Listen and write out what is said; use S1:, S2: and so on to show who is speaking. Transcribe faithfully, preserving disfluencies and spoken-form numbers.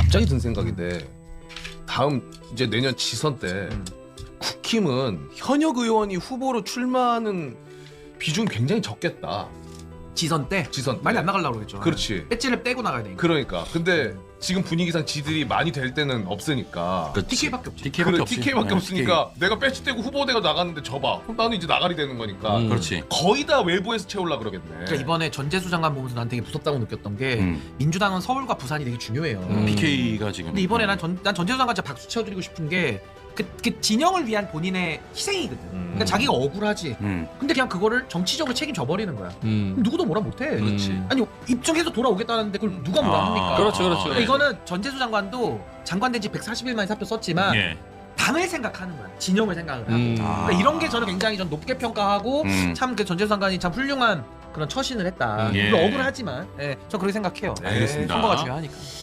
S1: 갑자기 든 생각인데 다음 이제 내년 지선 때
S2: 음.
S1: 국힘은 현역 의원이 후보로 출마하는 비중이 굉장히 적겠다.
S2: 지선 때
S1: 지선 때.
S2: 많이 안 나가려고 그랬죠.
S1: 그렇지.
S2: 배지를 떼고 나가야 되니까.
S1: 그러니까. 근데 지금 분위기상 지들이 많이 될 때는 없으니까.
S3: 그렇지.
S2: 티케이밖에 없지.
S3: 티케이밖에
S1: 그래,
S3: 없지.
S1: 티케이밖에
S3: 네,
S1: 없으니까 내가 배치 떼고 후보대가 나갔는데 져봐. 그럼 나는 이제 나가리 되는 거니까.
S3: 티케이. 그렇지.
S1: 거의 다 외부에서 채우려 그러겠네.
S2: 그러니까 이번에 전재수 장관 보면서 난 되게 무섭다고 느꼈던 게
S3: 음.
S2: 민주당은 서울과 부산이 되게 중요해요.
S3: 음. 피케이가 지금.
S2: 근데 이번에 난, 전, 난 전재수 장관 진짜 박수 쳐드리고 싶은 게 그, 그 진영을 위한 본인의 희생이거든.
S1: 음.
S2: 그러니까 자기가 억울하지.
S3: 음.
S2: 근데 그냥 그거를 정치적으로 책임져 버리는 거야.
S4: 음.
S2: 그럼 누구도 뭐라 못해.
S1: 그렇지.
S2: 아니 입증해서 돌아오겠다는데 그걸 누가 뭐라
S3: 아.
S2: 합니까?
S4: 그렇죠, 그렇죠.
S2: 그러니까 이거는 전재수 장관도 장관된 지 백사십 일 만에 사표 썼지만
S3: 예.
S2: 당을 생각하는 거야. 진영을 생각을 하고.
S4: 음.
S3: 아.
S2: 그러니까 이런 게 저는 굉장히 전 높게 평가하고
S3: 음.
S2: 참 그 전재수 장관이 참 훌륭한 그런 처신을 했다.
S3: 예.
S2: 물론 억울하지만, 예, 저 그렇게 생각해요.
S3: 알겠습니다.
S2: 선거가 중요하니까.